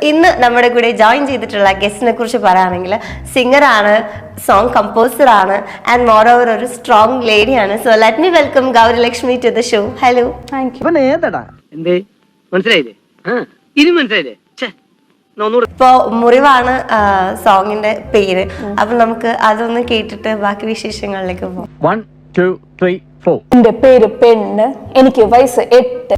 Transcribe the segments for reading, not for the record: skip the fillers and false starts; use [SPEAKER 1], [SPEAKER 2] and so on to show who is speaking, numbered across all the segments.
[SPEAKER 1] ഇന്ന് നമ്മുടെ കൂടെ ജോയിൻ ചെയ്തിട്ടുള്ള ഗസ്റ്റിനെ കുറിച്ച് പറയുകയാണെങ്കിൽ സിംഗറാണ്, സോങ് കമ്പോസർ ആണ്, ആൻഡ് മോർ ഓവർ ഒരു സ്ട്രോങ് ലേഡിയാണ്. So let me welcome Gowrilakshmi to the show. Hello.
[SPEAKER 2] Thank you. മനസ്സിലായില്ലേ? മനസ്സിലായില്ലേ?
[SPEAKER 1] ഇപ്പോ മുറിവാണ് സോങ്ങിന്റെ പേര്. അപ്പൊ നമുക്ക് അതൊന്ന് കേട്ടിട്ട് ബാക്കി വിശേഷങ്ങളിലേക്ക് പോകാം.
[SPEAKER 3] 1 2 3 4.
[SPEAKER 2] എന്റെ പേര് പെണ്ണ്, എനിക്ക് വയസ്സ് 8.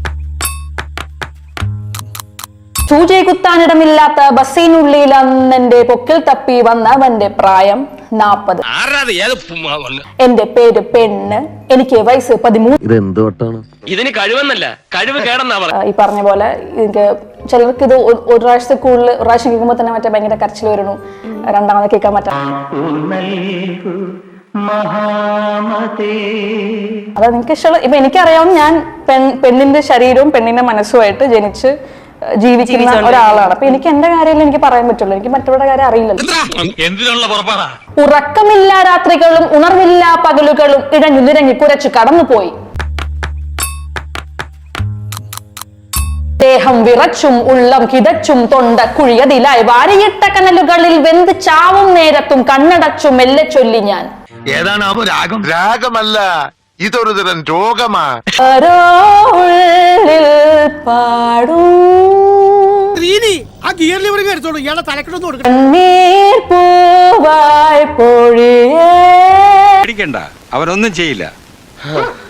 [SPEAKER 2] സൂചി കുത്താനിടമില്ലാത്ത ബസ്സിനുള്ളിൽ അന്നെന്റെ പൊക്കിൽ തപ്പി വന്നവന്റെ പ്രായം 40. എന്റെ പേര് പെണ്ണ്, എനിക്ക് വയസ്സ് 13.
[SPEAKER 3] ഇത് എന്തുകൊണ്ടാണ്?
[SPEAKER 4] ഇതിന് കഴിവെന്നല്ല, കഴിവ് കേടെന്നാ പറഞ്ഞത്.
[SPEAKER 2] ഈ പറഞ്ഞ പോലെ എനിക്ക് ചിലർക്ക് ഇത് ഒരു പ്രാവശ്യത്തെ കൂടുതൽ ഒരു പ്രാവശ്യം കേൾക്കുമ്പോൾ തന്നെ മറ്റേ ഭയങ്കര കരച്ചിൽ വരുന്നു, രണ്ടാമത് കേൾക്കാൻ പറ്റാ. അത് നിങ്ങൾക്ക് ഇഷ്ടമുള്ള ഇപ്പൊ എനിക്കറിയാവുന്ന ഞാൻ പെണ്ണിന്റെ ശരീരവും പെണ്ണിന്റെ മനസ്സുമായിട്ട് ജനിച്ച് ജീവിക്കുന്ന ഒരാളാണ്. അപ്പൊ എനിക്ക് എന്റെ കാര്യമല്ലേ എനിക്ക് പറയാൻ പറ്റുള്ളൂ, എനിക്ക് മറ്റുള്ള കാര്യം അറിയില്ലല്ലോ. ഉറക്കമില്ല രാത്രികളും ഉണർവില്ല പകലുകളും ഇഴഞ്ഞു നിരങ്ങി കുരച്ചു കടന്നുപോയി. ദേഹം വിറച്ചും ഉള്ളം കിതച്ചും തൊണ്ട കുഴിയതിലായി വാരിയിട്ട കനലുകളിൽ വെന്ത് ചാവും നേരത്തും കണ്ണടച്ചും മെല്ലെ ചൊല്ലി ഞാൻ.
[SPEAKER 5] ഏതാണ് രാഗം? രാഗമല്ല, ഇതൊരു തരം രോഗമാ.
[SPEAKER 2] പാടും
[SPEAKER 6] അവരൊന്നും ചെയ്യില്ല.